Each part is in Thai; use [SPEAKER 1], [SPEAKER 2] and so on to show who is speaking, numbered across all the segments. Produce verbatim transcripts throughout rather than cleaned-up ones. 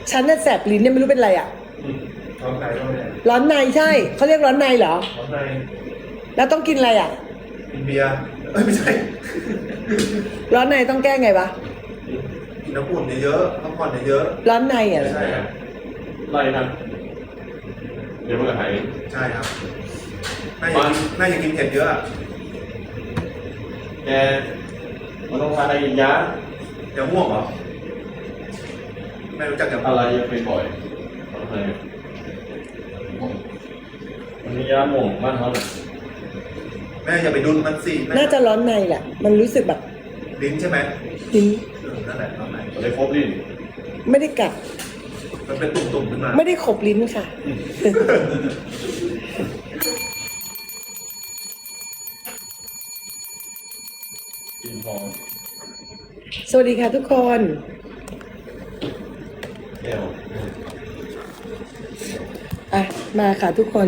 [SPEAKER 1] ฉันน่ะแสบลิ้นเนี่ยไม่รู้เป็นไรอ่ะ
[SPEAKER 2] ร้อนในก็ไม่ได้
[SPEAKER 1] ร้อนในใช่เขาเรียกร้อนในเหรอ
[SPEAKER 2] ร้อนใน
[SPEAKER 1] แล้วต้องกินอะไรอ่ะ
[SPEAKER 2] กินเบียร์เอ้ยไม่ใช่
[SPEAKER 1] ร้อนในต้องแก้ไงวะ
[SPEAKER 2] กินน้ำอุ่นเยอะๆพักผ่อนเยอะ
[SPEAKER 1] ร้อนในอ่ะ
[SPEAKER 2] ๆใช่ครับ
[SPEAKER 3] ไล่นะเดี๋ยวมันก็หาย
[SPEAKER 2] ใช่ครับน่าจะกินน่าจะกินเผ็ดเยอะอะ
[SPEAKER 3] แกมันต้องทานอะไรกินยา
[SPEAKER 2] อย่าม่วงเหรอไม่รู้จักอย่าม่วง
[SPEAKER 3] อะไรยังเป็นบ่อยทำไมมันมียาหม่องบ้านเขาเนี่ย
[SPEAKER 2] แม่อย่าไปดุนมันสิแม่
[SPEAKER 1] น่าจะร้อนในแหละ มันรู้สึกแบบ
[SPEAKER 2] ลิ้นใช่ไหม
[SPEAKER 1] ลิ้น
[SPEAKER 2] เออนั่นแหละร้อนใน
[SPEAKER 3] มันเลยครบลิ้น
[SPEAKER 1] ไม่ได้กัด
[SPEAKER 2] มันเป็นตุ่มๆขึ้นมา
[SPEAKER 1] ไม่ได้ขบลิ้นค่ะ
[SPEAKER 3] กินทอง
[SPEAKER 1] สวัสดีค่ะทุกคน
[SPEAKER 3] แก้ว
[SPEAKER 1] อ่ะ มาค่ะทุกคน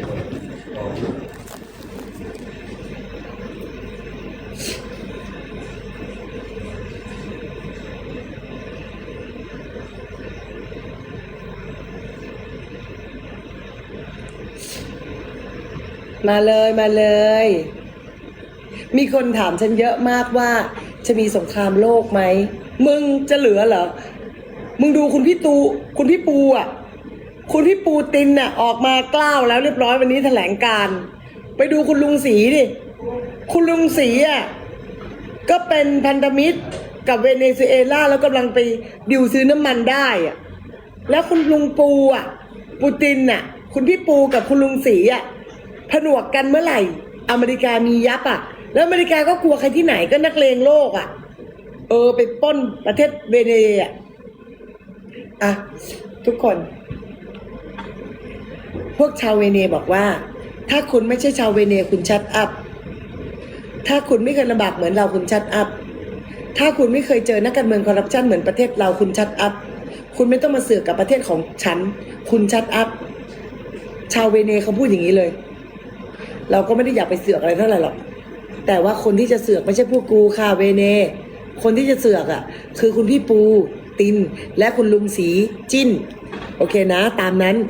[SPEAKER 1] มาเลยมาเลย มีคนถามฉันเยอะมากว่าจะมีสงครามโลกไหม มึงจะเหลือเหรอ มึงดูคุณพี่ตูคุณพี่ปูอ่ะ คุณพี่ปูตินน่ะออกมากล้าวแล้วเรียบร้อยวันนี้แถลงการณ์ไปดูคุณลุงศรีดิ คุณลุงศรีอ่ะก็เป็นพันธมิตรกับเวเนซุเอลาแล้วกำลังไปดิวซื้อน้ำมันได้อ่ะ แล้วคุณลุงปูอ่ะ ปูตินน่ะ คุณพี่ปูกับคุณลุงศรีอ่ะผนวกกันเมื่อไหร่ อเมริกามียับอ่ะ แล้วอเมริกาก็กลัวใครที่ไหนก็นักเลงโลกอ่ะ เออไปปล้นประเทศเวเนซุเอลาอ่ะทุกคน พวกชาวเวเนบอกว่า ถ้าคุณไม่ใช่ชาวเวเนคุณชัดอัพ ถ้าคุณไม่เคยลำบากเหมือนเราคุณชัดอัพ ถ้าคุณไม่เคยเจอนักการเมืองคอร์รัปชันเหมือนประเทศเราคุณชัดอัพ คุณไม่ต้องมาเสือกกับประเทศของฉัน คุณชัดอัพ ชาวเวเนเขาพูดอย่างนี้เลย เราก็ไม่ได้อยากไปเสือกอะไรเท่าไหร่หรอก แต่ว่าคนที่จะเสือกไม่ใช่พวกกูค่ะเวเน คนที่จะเสือกอ่ะ คือคุณพี่ปูตินและคุณลุงศรีจิ้น โอเคนะ ตามนั้น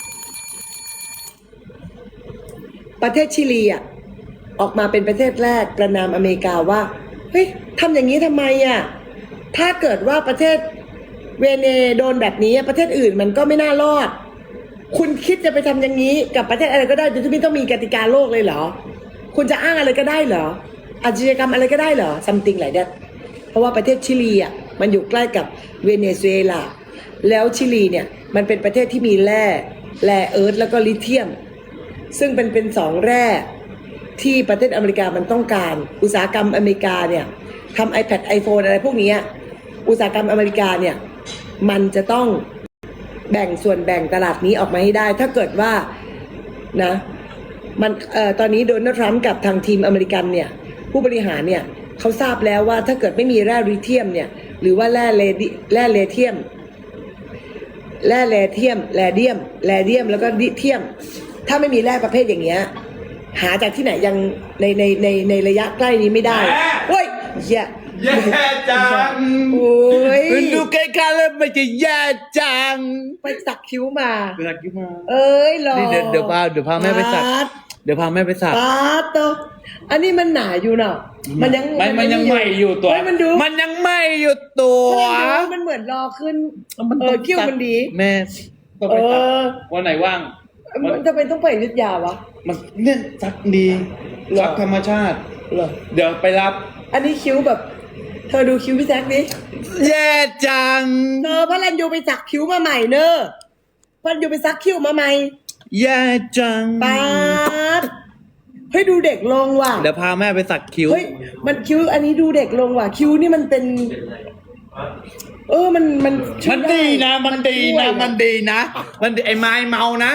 [SPEAKER 1] ประเทศชิลีอ่ะออกมาเป็นประเทศแรกประนามอเมริกาว่าเฮ้ยทำอย่างนี้ทำไมอ่ะถ้าเกิดว่าประเทศเวเนโดนแบบนี้ประเทศอื่นมันก็ไม่น่ารอด คุณคิดจะไปทำอย่างนี้กับประเทศอะไรก็ได้โดยที่ไม่ต้องมีกติกาโลกเลยเหรอคุณจะอ้างอะไรก็ได้เหรออาชญากรรมอะไรก็ได้เหรอ something like that เพราะว่าประเทศชิลีอ่ะมันอยู่ใกล้กับเวเนซุเอลาแล้วชิลีเนี่ยมันเป็นประเทศที่มีแร่แร่เอิร์ธแล้วก็ลิเธียมซึ่งเป็นเป็นสองแร่ที่ประเทศอเมริกามันต้องการอุตสาหกรรมอเมริกาเนี่ยทำ iPad iPhone อะไรพวกนี้อุตสาหกรรมอเมริกาเนี่ยมันจะต้องแบ่งส่วนแบ่งตลาดนี้ออกมาให้ได้ถ้าเกิดว่านะมันเอ่อตอนนี้โดนัลด์ทรัมป์กับทางทีมอเมริกันเนี่ยผู้บริหารเนี่ยเขาทราบแล้วว่าถ้าเกิดไม่มีแร่ลิเธียมเนี่ยหรือว่าแร่เลดิแร่เลเทียมแร่เลเทียมแรเดียมแรเดียมแล้วก็ลิเธียมถ้าไม่มีแร่ประเภทอย่างเงี้ยหาจากที่ไหนยังในในในในระยะใกล้นี้ไม่ได้เฮ้ยแย่
[SPEAKER 3] แย่จัง
[SPEAKER 1] โอ้ย
[SPEAKER 4] ดูใกล้ๆแล้วมันจะแย่จัง
[SPEAKER 1] ไปสักคิ้วมา
[SPEAKER 4] ไปสักคิ้วมา
[SPEAKER 1] เอ้ยหรอ
[SPEAKER 4] นี่เดี๋ยวเดี๋ยวพาเดี๋ยวพาแม่ไปสัก
[SPEAKER 1] ปาด
[SPEAKER 4] เดี๋ยวพาแม่ไปสัก
[SPEAKER 1] ปาดโตอันนี้มันหนาอยู่เนาะมันยัง
[SPEAKER 4] มันมันยังใหม่อยู่ตัว
[SPEAKER 1] เฮ้ยมันดู
[SPEAKER 4] มันยังใหม่อยู่ตัว
[SPEAKER 1] มันดูมันเหมือนรอขึ้นเออคิ้วมันดี
[SPEAKER 4] แม่ต้องไปสัก
[SPEAKER 1] เออ
[SPEAKER 4] วันไหนว่าง
[SPEAKER 1] มันจะเป็นต้องไปอยุทธยาวะ
[SPEAKER 4] มันเนี่ยสักดี
[SPEAKER 1] หรอ
[SPEAKER 4] สักธรรมชาติ
[SPEAKER 1] เหรอ
[SPEAKER 4] เดี๋ยวไปรับ
[SPEAKER 1] อันนี้คิ้วแบบ เธอดูคิ้วพี่แจ็คดิ
[SPEAKER 4] แย่จัง
[SPEAKER 1] เธอพระรันยูไปสักคิ้วมาใหม่เนอะพระรันยูไปสักคิ้วมาใหม่
[SPEAKER 4] แย่จัง
[SPEAKER 1] ปาดเฮ้ยดูเด็กลงว่ะ
[SPEAKER 4] เดี๋ยวพาแม่ไปสักคิ้ว
[SPEAKER 1] เฮ้ยมันคิ้วอันนี้ดูเด็กลงว่ะคิ้วนี่มันเป็น เออมันมันช่ว
[SPEAKER 4] มั
[SPEAKER 1] ย
[SPEAKER 4] นดีนะ มันดี
[SPEAKER 1] ช่วย
[SPEAKER 4] นะ มันดีนะ มันดีไอ้ไม้เมานะ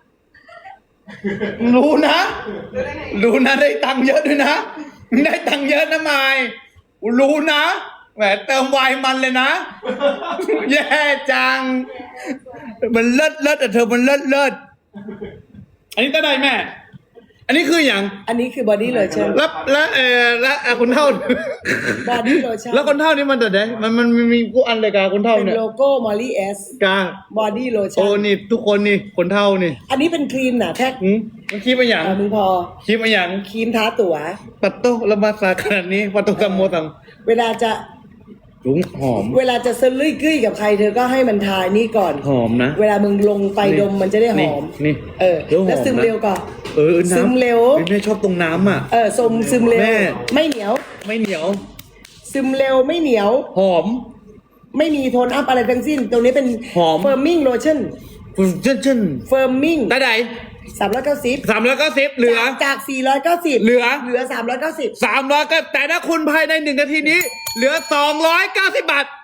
[SPEAKER 4] รู้นะ รู้นะได้ตังค์เยอะด้วยนะ ได้ตังค์เยอะนะไม้รู้นะแหมเติมไวน์มันเลยนะ แย่จัง มันเลิศเลิศแต่เธอมันเลิศเลิศอันนี้ก็ได้แม่อันนี้คืออย่าง
[SPEAKER 1] อันนี้คือบอดี้โลชั่น
[SPEAKER 4] แล้วแล้วเออแล้วอ่ะคนเท่า
[SPEAKER 1] บอดี้โลชั่น
[SPEAKER 4] แล้วคนเท่านี่มันแต่ไหนมันมันมันมีกูอันเลยกาคนเท่า
[SPEAKER 1] เป็น
[SPEAKER 4] เนี่ย
[SPEAKER 1] โลโก้มอลลี่เอส
[SPEAKER 4] กา
[SPEAKER 1] บอดี้โลชั่
[SPEAKER 4] โอ้
[SPEAKER 1] น
[SPEAKER 4] นี่ทุกคนนี่คนเท่านี่
[SPEAKER 1] อันนี้เป็นครีมหนาแท็ก
[SPEAKER 4] หืมมันคิดมาอย่าง
[SPEAKER 1] เอามึงพอ
[SPEAKER 4] คิดมาอย่าง
[SPEAKER 1] ครีมทาตั๋ว
[SPEAKER 4] ปัตโต้ละมาสาขนาดนี้ปัตโต้กัมโมตัง
[SPEAKER 1] เวลาจะ
[SPEAKER 4] ถุงหอม
[SPEAKER 1] เวลาจะสลุยกุ้ยกับใครเธอก็ให้มันทานี่ก่อน
[SPEAKER 4] หอมนะ
[SPEAKER 1] เวลามึงลงไปดมมันจะได้หอม
[SPEAKER 4] นี่นี่
[SPEAKER 1] เออ
[SPEAKER 4] เดี๋ยวหอม
[SPEAKER 1] แล้วซึม
[SPEAKER 4] นะ
[SPEAKER 1] เร็วก่อน
[SPEAKER 4] เออน้ำ
[SPEAKER 1] ซึมเร็ว
[SPEAKER 4] ฮ้ยแม่ชอบตรงน้ำอ่ะ
[SPEAKER 1] เออซึมซึมเร็ว
[SPEAKER 4] แม่
[SPEAKER 1] ไม่เหนียว
[SPEAKER 4] ไม่เหนียว
[SPEAKER 1] ซึมเร็วไม่เหนียว
[SPEAKER 4] หอม
[SPEAKER 1] ไม่มีโทนอัพอะไรทั้งสิ้น ตรงนี้เป็น
[SPEAKER 4] หอม
[SPEAKER 1] เฟิร์มมิ่งโลชั่น
[SPEAKER 4] เช่นเช่น
[SPEAKER 1] เฟิร์มมิ่ง
[SPEAKER 4] ได้ไหน
[SPEAKER 1] สามร้อยเก้าสิบ
[SPEAKER 4] สามร้อยเก้าสิบเหลือ
[SPEAKER 1] จากสี่ร้อยเก้าสิบ
[SPEAKER 4] เหลือ
[SPEAKER 1] เหลือสามร้อยเก้าสิบ
[SPEAKER 4] สามร้อยก็แต่ถ้าคุณภายในหนึ่งนาทีนี้ เหลือสองร้อยเก้าสิบบาท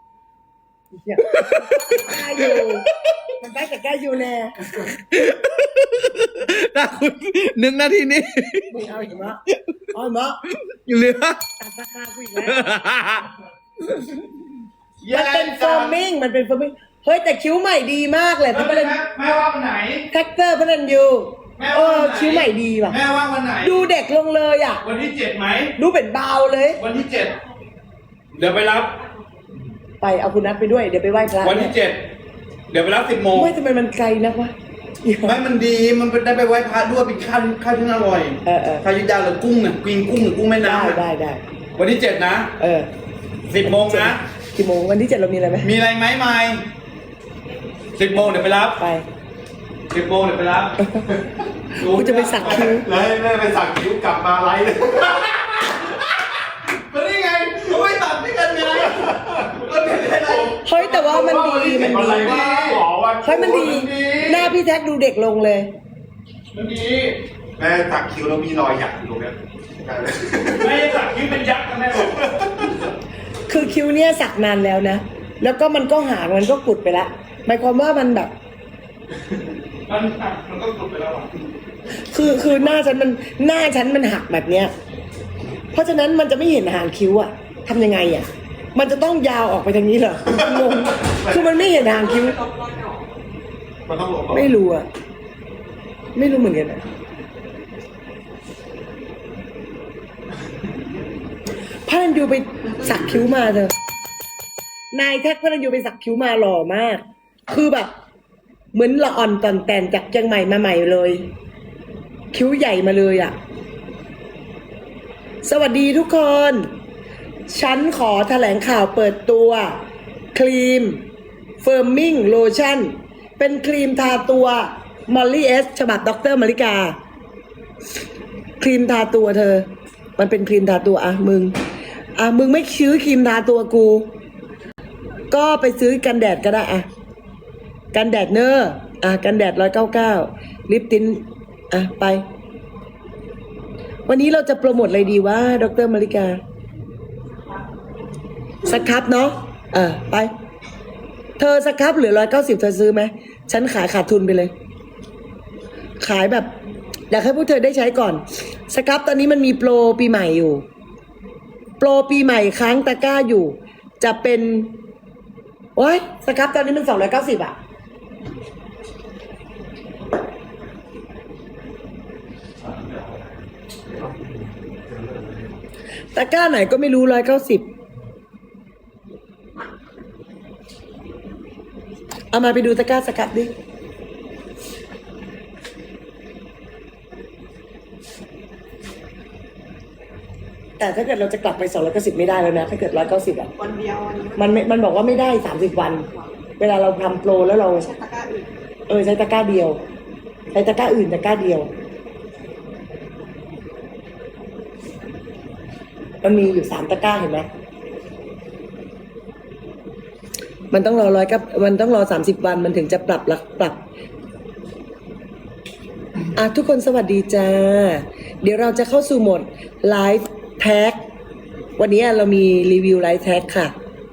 [SPEAKER 1] ใกล้อยู่มันใกล้แต่ใกล้อยู่แน่
[SPEAKER 4] ถ้าคุณหนึ่งนาทีนี้
[SPEAKER 1] มึงเอาอีกมั้ยเอาอีกมั้ย
[SPEAKER 4] เหลือ
[SPEAKER 1] ตัดราคากูอีกแล้วมันเป็นเฟิร์มมิ่งมันเป็นเฟิร์มมิ่งเฮ้ยแต่คิ้วใหม่ดีมากเลยที่ประเด็น
[SPEAKER 3] แม่ว่างวันไหน
[SPEAKER 1] แท็กเตอร์พนันยู
[SPEAKER 3] แม่
[SPEAKER 1] เอ
[SPEAKER 3] ว่า
[SPEAKER 1] อ
[SPEAKER 3] วันไหน
[SPEAKER 1] คิ้วใหม่ดีว่ะ
[SPEAKER 3] แม่ว่างวันไหน
[SPEAKER 1] ดูเด็กลงเลยอ่ะ
[SPEAKER 3] วันที่เจ็ดไหม
[SPEAKER 1] ดูเป็นเบาเลย
[SPEAKER 3] วันที่เจ็ดเดี๋ยวไปรับ
[SPEAKER 1] ไปเอาคุณนัทไปด้วยเดี๋ยวไปไหว้พระ
[SPEAKER 3] วันที่เจ็ดเดี๋ยวไปรับสิบโมง
[SPEAKER 1] ไม่ทำไมมันไกลนักวะ
[SPEAKER 3] ไม่มันดีมันเป็นได้ไปไหว้พระด้วยเป็นข้าวข้าวที่อร่อย
[SPEAKER 1] เออเออ
[SPEAKER 3] ข้าวยุทธยาหรือกุ้งน่ะกินกุ้งหรือกุ้งแม่
[SPEAKER 1] ได้
[SPEAKER 3] น้ำน่ะ
[SPEAKER 1] ได้ได้
[SPEAKER 3] วันที่เจ็ดนะ
[SPEAKER 1] เออ
[SPEAKER 3] สิบโมงนะ
[SPEAKER 1] กี่โมงวันที่เจ็ดเรามีอะไรไหม
[SPEAKER 3] มีอะไรไหมไม่สิบโมงเดี๋ยวไปรับ
[SPEAKER 1] ไป
[SPEAKER 3] สิบโมงเดี๋ยวไปรับ
[SPEAKER 1] กูจะไปสักคิ้ว
[SPEAKER 2] แล้วให้แม่ไปสักคิ้วกลับมาไลฟ์เลย
[SPEAKER 3] ก็นี่ไงเขาไม่ตัดด้วยกันไงก็เป็นอะไร
[SPEAKER 1] เฮ้ยแต่ว่ามันดีมัน
[SPEAKER 2] อะ
[SPEAKER 1] ดี
[SPEAKER 2] ไรวะหมอว่า
[SPEAKER 1] เฮ้ยมันดี หน้าพี่แท็กดูเด็กลงเลย
[SPEAKER 3] มันดี
[SPEAKER 2] แม่สักคิ้วแล้วมีรอยหยักอยู่ตรงเนี้ย
[SPEAKER 3] ไม่ได้สักคิ้วเป็นยักษ์นะแม่บอก
[SPEAKER 1] คือคิ้วเนี่ยสักนานแล้วนะ แล้วก็มันก็หางมันก็กุดไปละหมายความว่ามันแบบ
[SPEAKER 3] มันหักมันก็กลุดไปแล้วอ่ะ
[SPEAKER 1] คือคือหน้าฉันมันหน้าฉันมันหักแบบเนี้ย เพราะฉะนั้นมันจะไม่เห็นหางคิ้วอะทำยังไงอะมันจะต้องยาวออกไปทางนี้เหรองงคือมันไม่เห็นหางคิ้ว
[SPEAKER 2] มันต้องหลบออก
[SPEAKER 1] ไม่รู้อะไม่รู้เหมือนกันอะพระนันยูไปสักคิ้วมาเธอนายแท็กพระนันยูไปสักคิ้วมาหล่อมาก คือแบบ เหมือนละอ่อนตอนแต่นจากเชียงใหม่มาใหม่เลย คิ้วใหญ่มาเลยอะสวัสดีทุกคน ฉันขอแถลงข่าวเปิดตัว ครีมเฟิร์มมิ่งโลชั่น เป็นครีมทาตัวมอลลี่เอสฉบับดรมาริกา ครีมทาตัวเธอ มันเป็นครีมทาตัวอะมึงอะมึงไม่ซื้อครีมทาตัวกู ก็ไปซื้อกันแดดก็ได้อะกันแดดเนอร์อ่ะกันแดดร้อยเก้าเก้าลิปตินอ่ะไป วันนี้เราจะโปรโมทอะไรดีวะดรมาริกาสครับเนาะเออไป เธอสครับเหลือร้อยเก้าสิบเธอซื้อไหมฉันขายขาดทุนไปเลย ขายแบบ อยากให้พวกเธอได้ใช้ก่อนสครับตอนนี้มันมีโปรปีใหม่อยู่ โปรปีใหม่ค้างตะกร้าอยู่ จะเป็นโอ้ยสครับตอนนี้มันสองร้อยเก้าสิบอะตะกร้าไหนก็ไม่รู้ร้อยเก้าสิบเอามาไปดูตะกร้าสครับดิแต่ถ้าเกิดเราจะกลับไปสองร้อยเก้าสิบไม่ได้แล้วนะ ถ้าเกิดร้อยเก้าสิบอ่ะ
[SPEAKER 5] วันเดียววันนี้
[SPEAKER 1] มันไม่มันบอกว่าไม่ได้สามสิบวัน เวลาเราทำโปรแล้วเรา
[SPEAKER 5] ใช้ตะกร้าอื่น
[SPEAKER 1] เออใช้ตะกร้าเดียว ใช้ตะกร้าอื่นตะกร้าเดียว มันมีอยู่สามตะกร้าเห็นไหมมันต้องรอร้อยกับมันต้องรอสามสิบวันมันถึงจะปรับลักปรับอ่ะทุกคนสวัสดีจ้า เดี๋ยวเราจะเข้าสู่โหมดไลฟ์แท็กวันนี้เรามีรีวิวไลฟ์แท็กค่ะ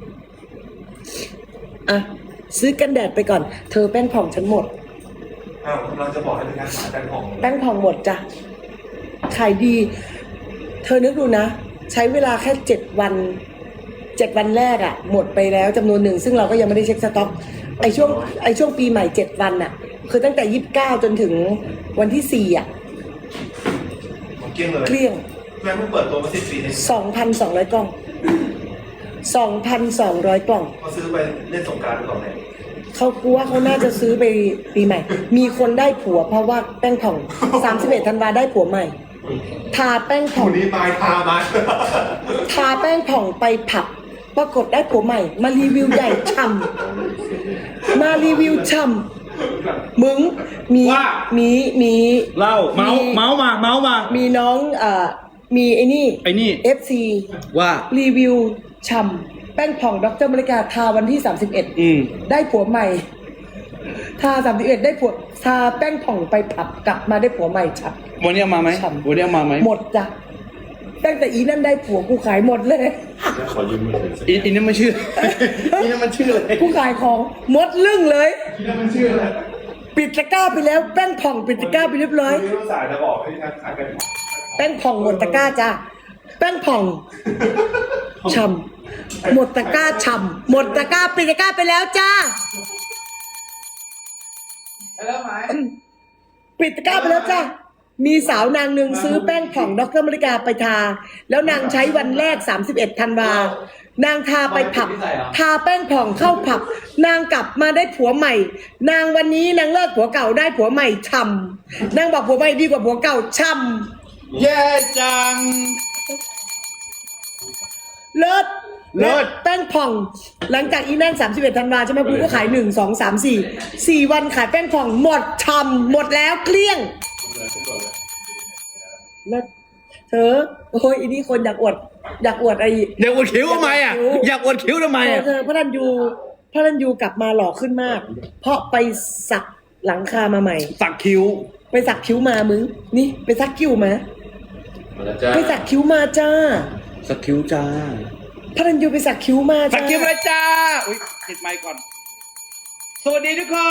[SPEAKER 1] อ่ะซื้อกันแดดไปก่อน เธอแป้งผ่องฉันหมด
[SPEAKER 2] อ้าวกำลังจะบอกให้เป็นการขายแป้งของ
[SPEAKER 1] แป้งผ่องหมดจ้ะขายดี เธอนึกดูนะ ใช้เวลาแค่เจ็ดวันเจ็ดวันแรกอะหมดไปแล้วจำนวนหนึ่งซึ่งเราก็ยังไม่ได้เช็คสต็อกไอช่วงไอช่วงปีใหม่เจ็ดวันอะคือตั้งแต่ยี่สิบเก้าจนถึงวันที่สี่อะ
[SPEAKER 2] เกลี้ยงเลย
[SPEAKER 1] เกลี้ยง
[SPEAKER 2] แม่เพิ่งเปิดตัวมาสิบปีเอง
[SPEAKER 1] สองพันสองร้อยกล่องสองพันสองร้อยกล่อง
[SPEAKER 2] เขาซื้อไปเล่นสงกรานต์ไปก่อนเลย
[SPEAKER 1] เขากลัวเขาน่าจะซื้อไปปีใหม่ มีคนได้ผัวเพราะว่าแป้งผ่องสามสิบเอ็ดธันวาได้ผัวใหม่ ทาแป้งผ่อง
[SPEAKER 2] วันนี้ตายคามา
[SPEAKER 1] ทาแป้งผ่องไปผับปรากฏได้ผัวใหม่ มารีวิวใหญ่ช่ำมารีวิวช่ำมึงมี
[SPEAKER 4] ว่า
[SPEAKER 1] มีมี
[SPEAKER 4] เล่าเมาส์เมาส์มาเมาส์มา
[SPEAKER 1] มีน้องเอ่อมีไอ้นี่
[SPEAKER 4] ไอ้นี่
[SPEAKER 1] เอฟซี
[SPEAKER 4] ว่า
[SPEAKER 1] รีวิวช่ำแป้งผ่องดรมริกาทาวันที่สามสิบเอ็ด
[SPEAKER 4] อืม
[SPEAKER 1] ได้ผัวใหม่ ทาสามสิบเอ็ดได้ผัวทาแป้งผ่องไปผับกลับมาได้ผัวใหม่ฉับ
[SPEAKER 4] วันนี้เอามาไหม
[SPEAKER 1] ฉ่ำ
[SPEAKER 4] วันนี้เอามาไหม
[SPEAKER 1] หมดจ้ะตั้งแต่อีนั่นได้ผัวกูขายหมดเลย
[SPEAKER 3] ขอยืมมือถือสิ
[SPEAKER 4] อีอีนั่นมันชื่อ อีนั่นมันชื่ออะไร
[SPEAKER 1] กูขายของหมดลึ่งเลย
[SPEAKER 2] ที่นั่นมันชื่ออะไร
[SPEAKER 1] ปิดตะกร้าไปแล้วแป้งผ่องปิดตะกร้าไปเรียบร้อย
[SPEAKER 2] วันนี้ต้องสายจะบอกให้ทางขายกัน
[SPEAKER 1] แป้งผ่องหมดตะกร้าจ้ะแป้งผ่องช่ำหมดตะกร้าช่ำหมดตะกร้าปิดตะกร้าไปแล้วจ้า
[SPEAKER 2] แล้วไหม
[SPEAKER 1] ปิดตะกร้าไปแล้วจ้ามีสาวนางหนึ่งซื้อแป้งผ่องดรมริกาไปทา แล้วนางใช้วันแรกสามสิบเอ็ดธันวานางทาไปผับ ทาแป้งผ่องเข้าผับ นางกลับมาได้ผัวใหม่ นางวันนี้นางเลิกผัวเก่าได้ผัวใหม่ช่ำนางบอกผัวใหม่ดีกว่าผัวเก่าช่ำ
[SPEAKER 4] แย่จัง
[SPEAKER 1] เลิศ
[SPEAKER 4] เลิศ
[SPEAKER 1] แป้งผ่อง หลังจากอีนั่นสามสิบเอ็ดธันวาใช่ไหมกูก็ขายหนึ่งสองสามสี่สี่วันขายแป้งผ่องหมดช่ำหมดแล้วเกลี้ยงเลิศเธอโอ้ยอีนี่คนอยากอวด อยากอวดไอ้
[SPEAKER 4] อยากอวดคิ้วทำไมอ่ะ อยากอวดคิ้วทำไม
[SPEAKER 1] เธอ
[SPEAKER 4] อ่ะ
[SPEAKER 1] เธอพระรันยูพระรันยูกลับมาหล่อขึ้นมาก เพราะไปสักหลังคามาใหม่
[SPEAKER 4] สักคิ้ว
[SPEAKER 1] ไปสักคิ้วมามึง นี่ไปสักคิ้วมา
[SPEAKER 3] มาแล้วจ้า
[SPEAKER 1] ไปสักคิ้วมาจ้า
[SPEAKER 4] สักคิ้วจ้า
[SPEAKER 1] พระรันยูไปสักคิ้วมา
[SPEAKER 4] สั
[SPEAKER 1] จ้าก
[SPEAKER 4] คิ้วมาจ้า อุ้ยติดไมค์ก่อน สวัสดีทุกคน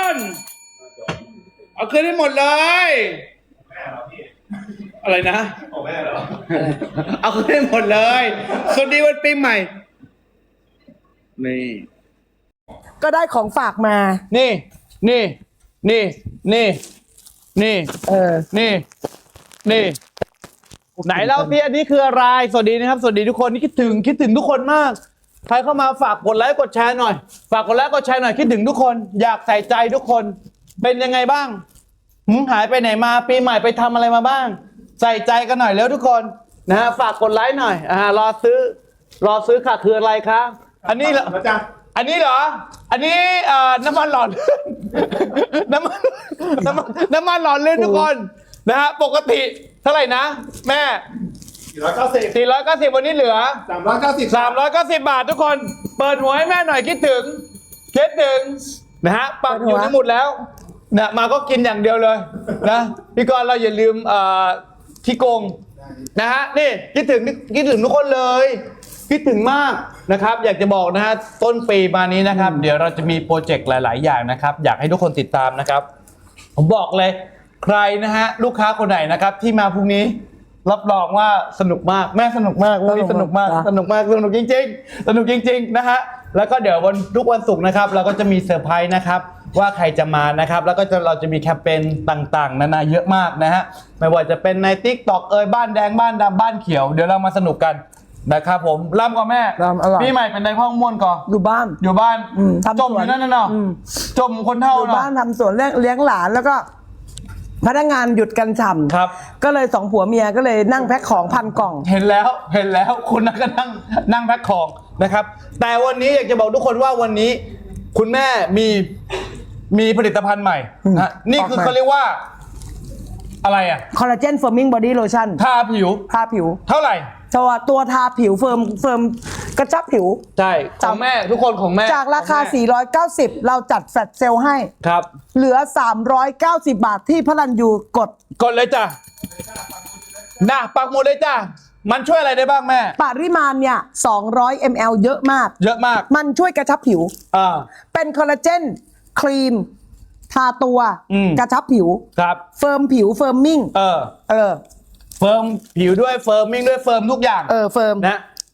[SPEAKER 4] เอาคืนให้หมดเลย
[SPEAKER 2] แม่เหรอพี่
[SPEAKER 4] อะไรนะ
[SPEAKER 2] ของแม่เหรอ
[SPEAKER 4] เอาคืนให้หมดเลย สวัสดีวันปีใหม่ นี่
[SPEAKER 1] ก็ได้ของฝากมา
[SPEAKER 4] นี่ นี่ นี่ นี่ นี่
[SPEAKER 1] เออ
[SPEAKER 4] นี่ นี่ ไหนเล่าพี่อันนี้คืออะไร สวัสดีนะครับ สวัสดีทุกคนนี่คิดถึงคิดถึงทุกคนมาก ใครเข้ามาฝากกดไลค์กดแชร์หน่อย ฝากกดไลค์กดแชร์หน่อยคิดถึงทุกคน อยากใส่ใจทุกคน เป็นยังไงบ้างหืมหายไปไหนมาปีใหม่ไปทำอะไรมาบ้าง ใส่ใจกันหน่อยแล้วทุกคนนะฮะฝากกดไลค์หน่อยอ่ารอซื้อ รอซื้อค่ะคืออะไรคะอันนี้เหรอ
[SPEAKER 2] แล้วจ้า
[SPEAKER 4] อันนี้เหรอ อันนี้เอ่อน้ำมันหล่อลื่น น้ำมันน้ำมันน้ำมันหล่อลื่นทุกคนนะฮะปกติเท่าไหร่นะ แม่
[SPEAKER 2] สี่ร้อยเก้าสิบ
[SPEAKER 4] สี่ร้อยเก้าสิบวันนี้เหลือ
[SPEAKER 2] สามร้อยเก้าสิบ
[SPEAKER 4] สามร้อยเก้าสิบบาททุกคน เปิดหัวให้แม่หน่อยคิดถึงคิดถึงนะฮะปักอยู่ในหมุดแล้วนะมาก็กินอย่างเดียวเลยนะพี่กรณ์เราอย่าลืมเอ่อที่โกงนะฮะนี่คิดถึงคิดถึงทุกคนเลยคิดถึงมากนะครับ อยากจะบอกนะฮะต้นปีมานี้นะครับ เดี๋ยวเราจะมีโปรเจกต์หลาย ๆ อย่างนะครับ อยากให้ทุกคนติดตามนะครับ ผมบอกเลยใครนะฮะลูกค้าคนไหนนะครับที่มาพรุ่งนี้รับรองว่าสนุกมากแม่สนุกมากวันนี้สนุกมากสนุกมากสนุกจริงๆสนุกจริงๆนะฮะแล้วก็เดี๋ยววันทุกวันศุกร์นะครับเราก็จะมีเซอร์ไพรส์นะครับว่าใครจะมานะครับแล้วก็จะเราจะมีแคมเปญต่างๆนานาเยอะมากนะฮะไม่ว่าจะเป็นใน TikTok เอ่ยบ้านแดงบ้านดำบ้านเขียวเดี๋ยวเรามาสนุกกันนะครับผมร่ำก่อนแม่
[SPEAKER 1] รำอร่อย
[SPEAKER 4] พี่ใหม่เป็นในห้องม่วนก่อน
[SPEAKER 1] อยู่บ้าน
[SPEAKER 4] อยู่บ้าน
[SPEAKER 1] อืมทำสวน
[SPEAKER 4] จมอยู่นั่นน่ะเนาะ
[SPEAKER 1] อืม
[SPEAKER 4] จมคนเท่า
[SPEAKER 1] อยู่
[SPEAKER 4] เนาะ
[SPEAKER 1] บ้านทำสวนเลี้ยงเลี้ยงหลานแล้วก็ พนักงานหยุดกันฉ่ำ
[SPEAKER 4] ครับ
[SPEAKER 1] ก็เลยสองผัวเมียก็เลยนั่งแพ็คของพันกล่อง
[SPEAKER 4] เห็นแล้วเห็นแล้วคุณนั่งก็นั่งนั่งแพ็คของนะครับ แต่วันนี้อยากจะบอกทุกคนว่าวันนี้ คุณแม่มีมีผลิตภัณฑ์ใหม่นะนี่คือ
[SPEAKER 1] ออกมา
[SPEAKER 4] เขาเรียกว่า อะไรอ่ะ
[SPEAKER 1] คอลลาเจนเฟิร์มิงบอดี้โลชั่น
[SPEAKER 4] ทาผิว
[SPEAKER 1] ทาผิว
[SPEAKER 4] เท่าไหร่
[SPEAKER 1] ตัวตัวทาผิวเฟิร์มเฟิร์มกระชับผิว
[SPEAKER 4] ใช่ของแม่ทุกคนของแม่
[SPEAKER 1] จากราคา
[SPEAKER 4] ของแม่
[SPEAKER 1] สี่ร้อยเก้าสิบ เราจัดแฟลชเซลให้
[SPEAKER 4] ครับ
[SPEAKER 1] เหลือ สามร้อยเก้าสิบ บาทที่พระรันยูกด
[SPEAKER 4] กดเลยจ้ะนะปักหมดเลยจ้ะมันช่วยอะไรได้บ้างแม่
[SPEAKER 1] ปริมาณเนี่ย สองร้อยมิลลิลิตร เยอะมาก
[SPEAKER 4] เยอะมาก
[SPEAKER 1] มันช่วยกระชับผิว
[SPEAKER 4] อ่า
[SPEAKER 1] เป็นคอลลาเจนครีม ทาตัว
[SPEAKER 4] อืม
[SPEAKER 1] กระชับผิว
[SPEAKER 4] ครับ
[SPEAKER 1] เฟิร์มผิวเฟิร์มมิ่ง
[SPEAKER 4] เออ
[SPEAKER 1] เออ
[SPEAKER 4] เฟิร์มผิวด้วยเฟิร์มมิ่งด้วยเฟิร์มทุกอย่าง
[SPEAKER 1] เออเฟิร์ม
[SPEAKER 4] นะ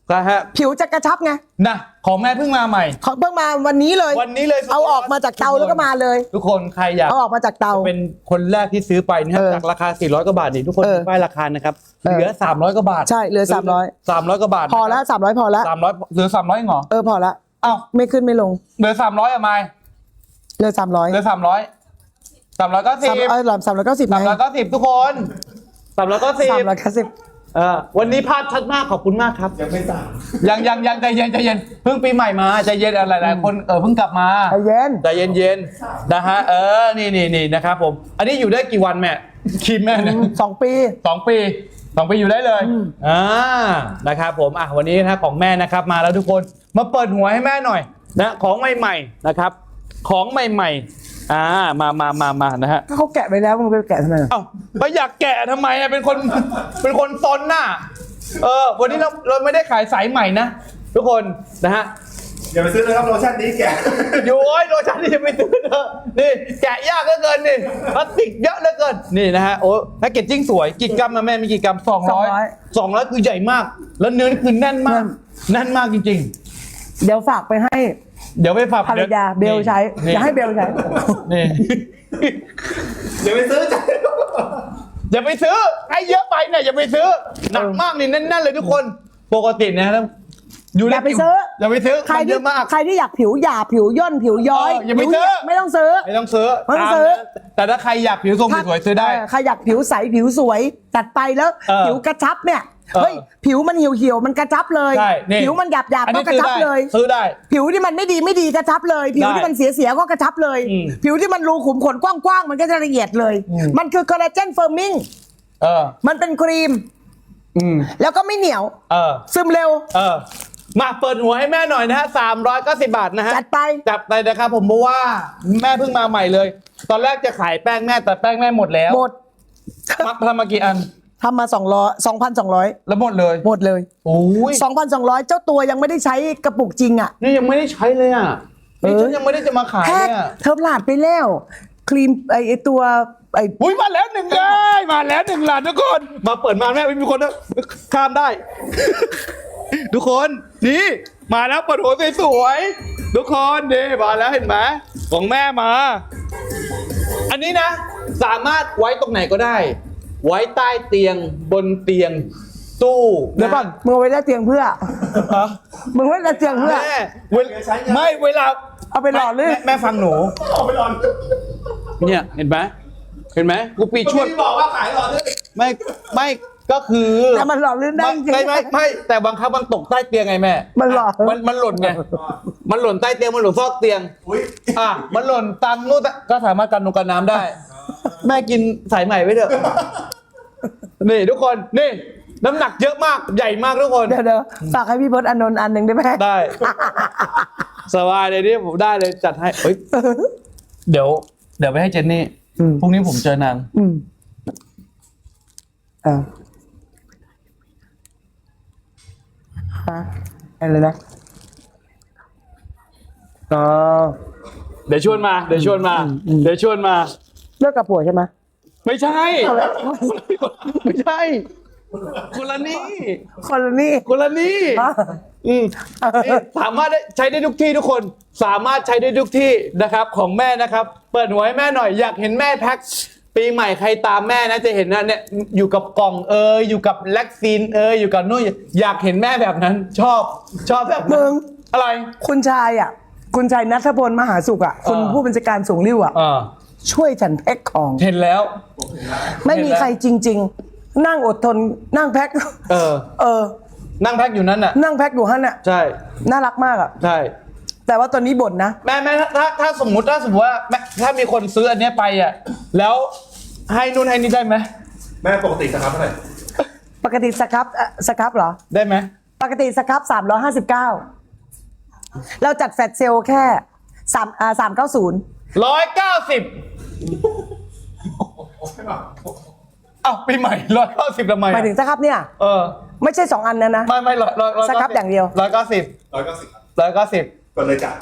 [SPEAKER 4] ก็ฮะ
[SPEAKER 1] ผิวจะกระชับไง
[SPEAKER 4] นะของแม่เพิ่งมาใหม่
[SPEAKER 1] เขาเพิ่งมาวันนี้เลย
[SPEAKER 4] วันนี้เลย
[SPEAKER 1] เอาออกมาจากเตาแล้วก็มาเลย
[SPEAKER 4] ทุกคนใครอยาก
[SPEAKER 1] เอาออกมาจากเตา
[SPEAKER 4] เป็นคนแรกที่ซื้อไปนะครับ
[SPEAKER 1] เออ
[SPEAKER 4] จากราคาสี่ร้อยกว่าบาทนี่ทุกคน
[SPEAKER 1] เออ
[SPEAKER 4] ดูป้ายราคานะครับ
[SPEAKER 1] เออ
[SPEAKER 4] เหลือสามร้อยกว่าบาท
[SPEAKER 1] ใช่เหลือสามร้อย
[SPEAKER 4] สามร้อยกว่าบาท
[SPEAKER 1] พอแล้วสามร้อยพอแล้ว
[SPEAKER 4] สามร้อยเหลือสามร้อยเหรอ
[SPEAKER 1] เออพอละ
[SPEAKER 4] เอ้า
[SPEAKER 1] ไม่ขึ้นไม่ลง
[SPEAKER 4] เหลือสามร้อยอะไม
[SPEAKER 1] เหลือสามร้อย
[SPEAKER 4] เหลือสามร้อยสามร้อยเก้าสิบ
[SPEAKER 1] สามเออสามร้อยเก้าสิบ
[SPEAKER 4] สามร้อยเก้าสิบทุกคนสามร้อยเก้าสิบ
[SPEAKER 1] สามร้อยเก้าสิบ
[SPEAKER 4] เออวันนี้ภาพชัดมากขอบคุณมากครับ
[SPEAKER 2] ยังไม่สาม
[SPEAKER 4] ยังยังยังใจเย็นใจเย็นเพิ่งปีใหม่มาใจเย็นอะไรหลายๆคนเออเพิ่งกลับมา
[SPEAKER 1] ใจเย็น
[SPEAKER 4] ใจเย็นเย็นๆนะฮะเออนี่นี่นี่นะครับผมอันนี้อยู่ได้กี่วันแม่คิมแม่เนี่ย
[SPEAKER 1] สองปี
[SPEAKER 4] สองปีสองปีอยู่ได้เลยอ่านะครับผมอ่ะวันนี้นะของแม่นะครับมาแล้วทุกคนมาเปิดหัวให้แม่หน่อยนะของใหม่ๆนะครับของใหม่ๆอ่ามามามามานะฮะ
[SPEAKER 1] ถ้าเขาแกะไปแล้วมึงไปแกะทำไมล่ะ
[SPEAKER 4] เอ้าไปอยากแกะทำไมอะเป็นคนเป็นคนซนน่ะเออวันนี้เราเราไม่ได้ขายสายใหม่นะทุกคนนะฮะ
[SPEAKER 2] อย่าไปซื้อเลยครับโลชั่นนี้แกะ
[SPEAKER 4] อยู่โอ้ยโลชั่นนี่จะไม่ซื้อเถอะนี่แกะยากเหลือเกินนี่พลาสติกเยอะเหลือเกินนี่นะฮะโอ้แพ็กเกจจิ้งสวยกี่กรัมนะแม่มีกี่กรัมสองร้อยสองร้อยคือใหญ่มาก แล้วเนื้อนี่คือแน่นมากแน่นมากจริง
[SPEAKER 1] เดี๋ยวฝากไปให้
[SPEAKER 4] ๆ เดี๋ยวไปฝาก
[SPEAKER 1] ภรรยาเบลใช้
[SPEAKER 4] นี่
[SPEAKER 1] อย่าให้เบลใช้
[SPEAKER 4] นี่
[SPEAKER 2] อย่าไปซื้อจ้ะ
[SPEAKER 4] อย่าไปซื้อให้เยอะไปเนี่ยอย่าไปซื้อหนักมากนี่แน่นๆเลยทุกคนปกติเนยนะอยู่ใน
[SPEAKER 1] อย่าไปซื้อ
[SPEAKER 4] อย่าไปซื้อ
[SPEAKER 1] ใคร
[SPEAKER 4] มันเย
[SPEAKER 1] ที่
[SPEAKER 4] อะมาก
[SPEAKER 1] ใครที่อยากผิวหยาบผิวย่นผิวย้อย
[SPEAKER 4] เอออย่าไป
[SPEAKER 1] ผิว
[SPEAKER 4] ซื้อ
[SPEAKER 1] ไม่ต้องซื้อ
[SPEAKER 4] ไม่ต้องซื้อ
[SPEAKER 1] ไม่ต้องซื้อ
[SPEAKER 4] ตามนั้นแต่ถ้าใครอยากผิวทรงสวยๆซื้อได้
[SPEAKER 1] เใครอยากผิวใสผิวสวยจัดไปแล้ว
[SPEAKER 4] เออ
[SPEAKER 1] ผิวกระชับเนี่ย
[SPEAKER 4] เออ
[SPEAKER 1] เฮ้ยผิวมันเหี่ยวเหี่ยวๆมันกระชับเลย
[SPEAKER 4] ใช่นี่
[SPEAKER 1] ผิวมันหยาบหยาบ
[SPEAKER 4] อัน
[SPEAKER 1] ก็
[SPEAKER 4] นี้
[SPEAKER 1] กระ
[SPEAKER 4] ซื้อ
[SPEAKER 1] ชับ
[SPEAKER 4] ได้
[SPEAKER 1] เลย
[SPEAKER 4] ซื้อได้
[SPEAKER 1] ผิวที่มันไม่ดีไม่ดีกระชับเลย ผิวที่มันเสียเสียๆก็กระชับเลย
[SPEAKER 4] อืม
[SPEAKER 1] ผิวที่มันรูขุมขนกว้างๆมันก็จะละเอียดเลย
[SPEAKER 4] อืม
[SPEAKER 1] มันคือคอลลาเจนเฟิร์มิง
[SPEAKER 4] เออ
[SPEAKER 1] มันเป็นครีม
[SPEAKER 4] อืม
[SPEAKER 1] แล้วก็ไม่เหนียว
[SPEAKER 4] เออ
[SPEAKER 1] ซึมเร็ว
[SPEAKER 4] เออ มาเปิดหัวให้แม่หน่อยนะฮะสามร้อยเก้าสิบบาทนะฮะ
[SPEAKER 1] จัดไป
[SPEAKER 4] จับไปนะครับผมเพราะว่าแม่เพิ่งมาใหม่เลย ตอนแรกจะขายแป้งแม่แต่แป้งแม่หมดแล้ว
[SPEAKER 1] หมด
[SPEAKER 4] มาทำมากี่อัน
[SPEAKER 1] ทำมาสองร้อยสองพันสองร้อย
[SPEAKER 4] แล้วหมดเลย
[SPEAKER 1] หมดเลย
[SPEAKER 4] โอ้ย
[SPEAKER 1] สองพันสองร้อยเจ้าตัวยังไม่ได้ใช้กระปุกจริงอ่ะ
[SPEAKER 4] นี่ยังไม่ได้ใช้เลยอ่ะนี่
[SPEAKER 1] เออ
[SPEAKER 4] ฉันยังไม่ได้จะมาขาย
[SPEAKER 1] แพ็
[SPEAKER 4] เล
[SPEAKER 1] ค
[SPEAKER 4] ยอ่ะ
[SPEAKER 1] เธอพลาดไปแล้วครีมไอไอ้ตัวไอ
[SPEAKER 4] อุ้ยมาแล้วหนึ่งเลยมาแล้วหนึ่งหลานทุกคน มาเปิดมาแม่ไม่มีคนนะข้ามได้ ทุกคนนี่มาแล้วเปิดหัวสวยๆทุกคนนี่มาแล้วเห็นไหมของแม่มา อันนี้นะ สามารถไว้ตรงไหนก็ได้ ไว้ใต้เตียงบนเตียงตู้เดี๋ยวก่อน
[SPEAKER 1] มึงเอาไว้ได้เตียงเพื่อ
[SPEAKER 4] ฮะ
[SPEAKER 1] มึงไว้ได้เตียงเพื่อ
[SPEAKER 4] แม่เวลไม่เวลา
[SPEAKER 1] เอาไปหล่อลื่น
[SPEAKER 4] แม่แม่ฟังหนู
[SPEAKER 2] ออกไปหลอน
[SPEAKER 4] เนี่ยเห็นไหมเห็นไหมกูปีชวด
[SPEAKER 2] ที่บอกว่าขายหลอนด้วย
[SPEAKER 4] ไม่ไม่ก็คือ
[SPEAKER 1] แต่มันหล่อลื่นได้
[SPEAKER 4] ไม่
[SPEAKER 1] จริง
[SPEAKER 4] ไม่ไม่ไม่แต่บางครั้งมันตกใต้เตียงไงแม่
[SPEAKER 1] มันหล่อ
[SPEAKER 4] มันมันหล่นไงมันหล่นใต้เตียงมันหล่นซอกเตียง
[SPEAKER 2] อุ้ย
[SPEAKER 4] อ่ะมันหล่นตามนู่นก็สามารถกันนงกันน้ำได้ แม่กินสายใหม่ไว้เถอะนี่ทุกคนนี่น้ำหนักเยอะมากใหญ่มากทุกคน
[SPEAKER 1] เดี๋ยวเดี๋ยวฝากให้พี่พศอานนท์อันหนึ่งได้ไหม
[SPEAKER 4] ได้สบายเลยนี่ผมได้เลยจัดให้เฮ้ยเดี๋ยว เดี๋ยวไปให้เจนนี่พรุ่งนี้ผมเจอนาง
[SPEAKER 1] อืมอ่าฮะอะไรนะอ๋อ
[SPEAKER 4] เดี๋ยวชวนมาเดี๋ยวชวนมา เดี๋ยวชวนมา
[SPEAKER 1] เลิกกับผัวใช่ไหม
[SPEAKER 4] ไม่ใช่ ไม่ใช่ คนละนี่
[SPEAKER 1] คนละนี่
[SPEAKER 4] คนละนี่
[SPEAKER 1] อ๋อ
[SPEAKER 4] อืมนี่สามารถได้ใช้ได้ทุกที่ทุกคน สามารถใช้ได้ทุกที่นะครับ ของแม่นะครับ เปิดหัวให้แม่หน่อยอยากเห็นแม่แพ็คปีใหม่ใครตามแม่นะจะเห็นนะเนี่ยอยู่กับกล่องเอยอยู่กับแล็กซีนเอยอยู่กับนู่นอยากเห็นแม่แบบนั้น ชอบชอบแบบนั้น
[SPEAKER 1] มึง
[SPEAKER 4] อะไร
[SPEAKER 1] คุณชายอ่ะ คุณชายนัทพลมหาสุขอ่ะคุณ
[SPEAKER 4] เออ
[SPEAKER 1] ผู้บัญชาการสูงริ้วอ่ะ
[SPEAKER 4] อ่า
[SPEAKER 1] ช่วยฉันแพ็คของ
[SPEAKER 4] เห็นแล้ว
[SPEAKER 1] ไม่มีใครจริง ๆ นั่งอดทนนั่งแพ็ค
[SPEAKER 4] เออ
[SPEAKER 1] เออ
[SPEAKER 4] นั่งแพ็คอยู่นั้นน่ะ
[SPEAKER 1] นั่งแพ็คอยู่ฮั่นอ่ะ
[SPEAKER 4] ใช่
[SPEAKER 1] น่ารักมากอ่ะ
[SPEAKER 4] ใช่
[SPEAKER 1] แต่ว่าตอนนี้บ่นนะ
[SPEAKER 4] แม่แม่ถ้าถ้าถ้าสมมุติถ้าสมมติว่าแม่ถ้ามีคนซื้ออันเนี้ยไปอ่ะแล้วให้นู่นให้นี่ได้ไหม
[SPEAKER 2] แม่ปกติสครับเท่าไหร่
[SPEAKER 1] ปกติสครับเอ่อสครับเหรอ
[SPEAKER 4] ได้ไหม
[SPEAKER 1] ปกติสครับสามร้อยห้าสิบเก้าเราจัดแฟลชเซลแค่สามอ่าสามเก้าศูนย์
[SPEAKER 4] ร้อยเก้าสิบเอ้าปีใหม่ร้อยเก้าสิบทำไม
[SPEAKER 1] หมายถึงสครับเนี่ย
[SPEAKER 4] เออ
[SPEAKER 1] ไม่ใช่สองอันนะนะ
[SPEAKER 4] ไม่ไม่ร้อยร้อยร้อย
[SPEAKER 1] สครับอย่างเดียว
[SPEAKER 4] ร้อยเก้าสิบ
[SPEAKER 2] ร้อยเก้าสิบ
[SPEAKER 4] ร้อยเก้าสิบ
[SPEAKER 2] กดเลยจ้ะ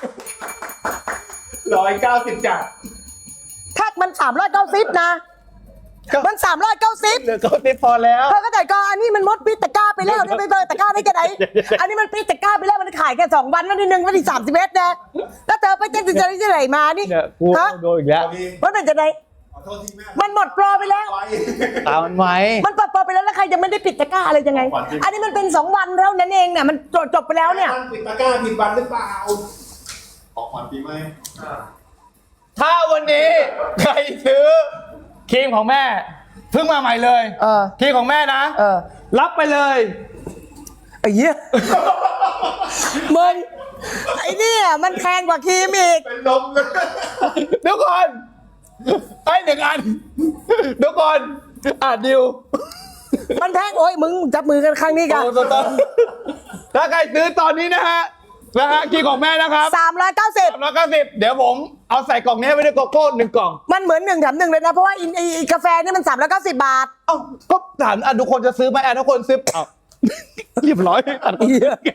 [SPEAKER 2] ร้อยเก้าสิบจ้ะ
[SPEAKER 1] ถ้ามันสามร้อยเก้าสิบนะ มันสามร้อยเก้าสิบ
[SPEAKER 4] เหลือเก้าสิบพอแล้ว
[SPEAKER 1] เธอก็แต่ก็อันนี้มันมดพิษตะกร้าไปแล้วเนี่ยไปเปิดตะกร้าได้แค่ไหนอันนี้มันปิดตะกร้าไปแล้วมันขายแค่สองวันวันที่หนึ่งวันที่สามสิบเอ็ดนะแล้วเธอไปเจ๊จะจะจะไหนมานี่
[SPEAKER 4] เนี่ยกู
[SPEAKER 1] ฮะ
[SPEAKER 4] โดนอีกแล้ว
[SPEAKER 1] มันเป็นจะไหน
[SPEAKER 2] ขอโทษทีแม่
[SPEAKER 1] มันหมดโปรไปแล้ว
[SPEAKER 2] ไป
[SPEAKER 4] ตามมันไว้
[SPEAKER 1] มันปรับโปรไปแล้วแล้วใครยังไม่ได้ปิดตะกร้าอะไรยังไง อันนี้มันเป็นสองวันเท่านั้นเองเนี่ยมันจบจบไปแล้วเนี่ย
[SPEAKER 2] มันปิดตะกร้าผิดวันหรือเปล่าออกขวัญปีใหม่
[SPEAKER 4] ถ้าวันนี้ใครซื้อครีมของแม่เพิ่งมาใหม่เลย
[SPEAKER 1] เออ
[SPEAKER 4] ครีมของแม่นะ
[SPEAKER 1] เออ
[SPEAKER 4] รับไปเลย
[SPEAKER 1] ไอ้เหี้ยมึงไอ้เนี่ยมันแพงกว่าครีมอีก
[SPEAKER 2] เป็นลมเลย
[SPEAKER 4] เดี๋ยวก่อนให้หนึ่งอันเดี๋ยวก่อนอ่านดิว
[SPEAKER 1] มันแพงโอ้ยมึงจับมือกันครั้งนี้กัน
[SPEAKER 4] โอ้ตตถ้าใครซื้อตอนนี้นะฮะนะฮะครีมของแม่นะครับ
[SPEAKER 1] สามร้อยเก้าสิบ
[SPEAKER 4] สามร้อยเก้าสิบเดี๋ยวผมเอาใส่กล่องนี้ให้ไว้ด้วยโกโก้หนึ่งกล่อง
[SPEAKER 1] มันเหมือนหนึ่งแถมหนึ่งเลยนะ เพราะว่าอินไอ้ไอ้กาแฟนี่มันสามร้อยเก้าสิบบาท
[SPEAKER 4] เอ้าก็ถามอ่ะทุกคนจะซื้อไหมอ่ะทุกคนซื้อเอ้าเรียบร้อยอ่ะ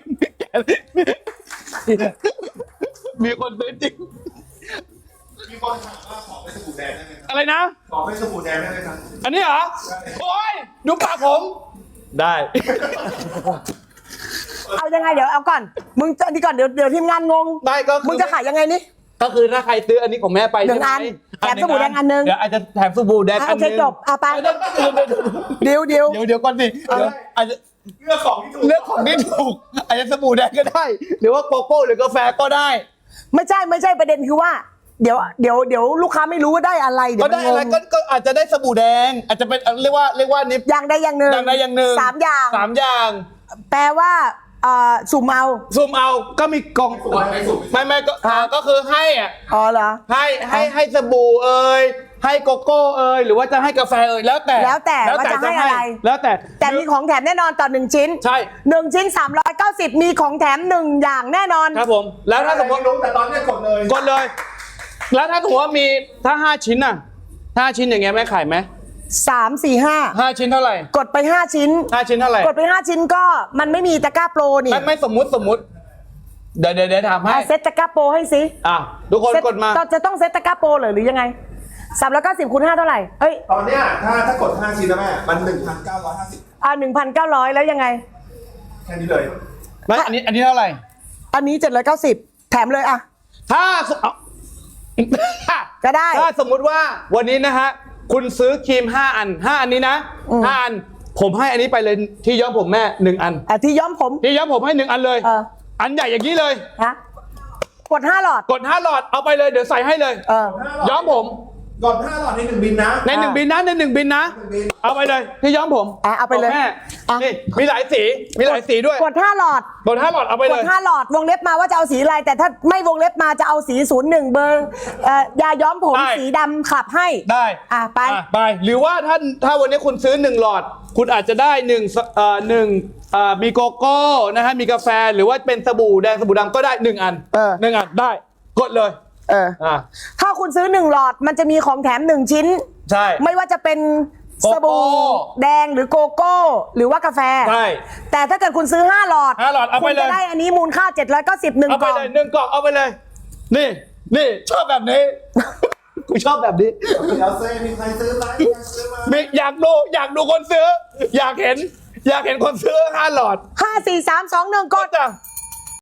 [SPEAKER 4] มีคนซื้อจริง
[SPEAKER 2] มีคนถามว่าขอเป็นสบู่แดงได้ไหมครับ
[SPEAKER 4] อะไรนะ
[SPEAKER 2] ขอเป็นสบู่แดงได้ไหมครับ
[SPEAKER 4] อันนี้เหรอโอ้ยดูปากผมได้
[SPEAKER 1] เอายังไงเดี๋ยวเอาก่อน มึงจะอันนี้ก่อนเดี๋ยวเดี๋ยวทีมงานงง
[SPEAKER 4] ได้ก็คือ
[SPEAKER 1] มึงจะขายยังไงนี่
[SPEAKER 4] ก็คือถ้าใครซื้ออันนี้ของแม่ไป
[SPEAKER 1] หนึ่ง
[SPEAKER 4] ใช่ไหม
[SPEAKER 1] อันแถมสบู่แดงอันหนึ่ง
[SPEAKER 4] เดี๋ยวอาจจะแถมสบู่แดง
[SPEAKER 1] อ่ะ
[SPEAKER 4] อั
[SPEAKER 1] โอน
[SPEAKER 4] ห
[SPEAKER 1] เค
[SPEAKER 4] นึง
[SPEAKER 1] จบเอาไป
[SPEAKER 4] เดี๋ยว
[SPEAKER 1] เดียวเดียว
[SPEAKER 4] เดี๋ยวเดี๋ยวก่อนสิเดี๋ยวอาจจะ
[SPEAKER 2] เลือกของที่ถูก
[SPEAKER 4] เลือกของที่ถูกอาจจะสบู่แดงก็ได้ หรือว่าโกโก้หรือกาแฟก็ได้
[SPEAKER 1] ไม่ใช่ไม่ใช่ประเด็นคือว่า เดี๋ยวเดี๋ยวเดี๋ยวลูกค้าไม่รู้ว่าได้อะไรเดี๋ย
[SPEAKER 4] ก็
[SPEAKER 1] ว
[SPEAKER 4] ได้อะไร
[SPEAKER 1] มันง
[SPEAKER 4] ก็
[SPEAKER 1] ง
[SPEAKER 4] ก็อาจจะได้สบู่แดง อาจจะเป็นเรียกว่าเรียกว่านี่
[SPEAKER 1] อย่างใดอย่างหนึ่ง
[SPEAKER 4] อย่างใดอย่างหนึ่ง
[SPEAKER 1] สามอย่าง
[SPEAKER 4] สามอย่าง
[SPEAKER 1] แปลว่าเอ่อสุ่มเอา
[SPEAKER 4] ซูมเอาก็มีกล่อง
[SPEAKER 2] ถูกไม่ถูก
[SPEAKER 4] ไม่ไม่ก็อ่าก็คือให้อ่ะ
[SPEAKER 1] อ๋อเหรอ
[SPEAKER 4] ให้ให้ให้สบู่เอ่ยให้โกโก้เอ่ยหรือว่าจะให้กาแฟเอ่ยแล้วแต่
[SPEAKER 1] แล้วแต่ว่าจะให้อะไร
[SPEAKER 4] แล้วแต่
[SPEAKER 1] แต่มีของแถมแน่นอนต่อหนึ่งชิ้น
[SPEAKER 4] ใช่
[SPEAKER 1] หนึ่งชิ้นสามร้อยเก้าสิบมีของแถมหนึ่งอย่างแน่นอน
[SPEAKER 4] ครับผม แล้วถ้าสมมติ
[SPEAKER 2] รู้แต่ตอนเนี้ยกดเลย
[SPEAKER 4] กดเลย แล้วถ้าสมมติว่ามีถ้าห้าชิ้นน่ะห้าชิ้นอย่างเงี้ยแม่ขายไหม
[SPEAKER 1] สาม สี่ ห้า
[SPEAKER 4] ห้าชิ้นเท่าไหร่
[SPEAKER 1] กดไปห้าชิ้น
[SPEAKER 4] ห้าชิ้นเท่าไหร่
[SPEAKER 1] กดไปห้าชิ้นก็มันไม่มีตะกร้าโปรนี่
[SPEAKER 4] ไม่ไม่สมมุติสมมุติเดี๋ยวเดี๋ยวเดี๋ยวถามให้
[SPEAKER 1] อ่ะเซตตะกร้าโปรให้สิ
[SPEAKER 4] อ่ะทุกคน
[SPEAKER 1] เซ็ต
[SPEAKER 4] กดมา
[SPEAKER 1] จะต้องเซตตะกร้าโปรเหรอหรือยังไงสามร้อยเก้าสิบคูณห้าเท่าไหร่เอ้ย
[SPEAKER 2] ตอนเนี้ยถ้าถ้ากดห้าชิ้นนะแม่ มันหนึ่งพันเก้าร้อยห้าสิบ
[SPEAKER 1] อ่าหนึ่งพันเก้าร้อยแล้วยังไง
[SPEAKER 2] แค่นี้เลย
[SPEAKER 4] ไม่อันนี้อันนี้เท่าไหร่
[SPEAKER 1] อันนี้เจ็ดร้อยเก้าสิบแถมเลยอ่ะ
[SPEAKER 4] ถ้าสเอา
[SPEAKER 1] ก็ได้
[SPEAKER 4] ถ้าสมมุติว่าวันนี้นะฮะคุณซื้อครีมห้าอันห้าอันนี้นะ
[SPEAKER 1] อืม
[SPEAKER 4] ห้าอันผมให้อันนี้ไปเลยที่ย้อมผมแม่หนึ่งอัน
[SPEAKER 1] อ่ะที่ย้อมผม
[SPEAKER 4] ที่ย้อมผมให้หนึ่งอันเลย
[SPEAKER 1] เออ
[SPEAKER 4] อันใหญ่อย่างนี้เลย
[SPEAKER 1] ฮะกดห้าหลอด
[SPEAKER 4] กดห้าหลอดเอาไปเลยเดี๋ยวใส่ให้เลย
[SPEAKER 1] เออ
[SPEAKER 4] ย้อมผม
[SPEAKER 2] ก่อนห้าหลอดในหนึ่งบินนะ
[SPEAKER 4] ในหนึ่งบินนะในหนึ่งบินนะ
[SPEAKER 2] หนึ่งบิน
[SPEAKER 4] เอาไปเลยที่ย้อมผม
[SPEAKER 1] อ่ะเอาไปเลย
[SPEAKER 4] ขงแม่
[SPEAKER 1] อ่ะ
[SPEAKER 4] นี่มีหลายสีมีหลายสีด้วย
[SPEAKER 1] กดห้าหลอด
[SPEAKER 4] กดห้าหลอดเอาไป
[SPEAKER 1] ก
[SPEAKER 4] เล
[SPEAKER 1] ด
[SPEAKER 4] ย
[SPEAKER 1] ห้าหลอดวงเล็บมาว่าจะเอาสีอะไร แต่ถ้าไม่วงเล็บมาจะเอาสีศูนย์หนึ่งเบอร์เอ่อยาย้อมผม
[SPEAKER 4] ได้
[SPEAKER 1] สีดำขับให้
[SPEAKER 4] ได้
[SPEAKER 1] อ่ะไป
[SPEAKER 4] อ่ะไปหรือว่าท่านถ้าวันนี้คุณซื้อหนึ่งหลอด คุณอาจจะได้หนึ่งเอ่อหนึ่งเอ่อมีโกโก้นะฮะมีกาแฟหรือว่าเป็นสบู่แดงสบู่ดำก็ได้หนึ่งอัน
[SPEAKER 1] เออ
[SPEAKER 4] หนึ่งอันได้กดเลย
[SPEAKER 1] เออ
[SPEAKER 4] อ่ะ
[SPEAKER 1] ถ้าคุณซื้อหนึ่งหลอดมันจะมีของแถมหนึ่งชิ้น
[SPEAKER 4] ใช่
[SPEAKER 1] ไม่ว่าจะเป็น
[SPEAKER 4] โกโก้
[SPEAKER 1] สบู่แดงหรือโกโก้ หรือว่ากาแฟ
[SPEAKER 4] ใช่
[SPEAKER 1] แต่ถ้าเกิดคุณซื้อห้าหลอด
[SPEAKER 4] ห้าหลอดเอาไป
[SPEAKER 1] คุณ
[SPEAKER 4] เลย
[SPEAKER 1] จะได้อันนี้มูลค่าเจ็ดร้อยเก้าสิบหนึ่ง
[SPEAKER 4] เอา
[SPEAKER 1] ก
[SPEAKER 4] ไป
[SPEAKER 1] ล่อง
[SPEAKER 4] เลยหนึ่งกล่องเอาไปเลย นี่นี่ชอบแบบนี้ กูชอบแบบนี้
[SPEAKER 2] เดี๋ยวเซ่มีใครซื้อไหมมีใครซื้อไหม
[SPEAKER 4] มีอยากดูอยากดูคนซื้อ อยากเห็น อยากเห็นคนซื้อห้าหลอด
[SPEAKER 1] ห้าสี่สามสองหนึ่งก
[SPEAKER 4] ก็
[SPEAKER 1] ด
[SPEAKER 4] จะ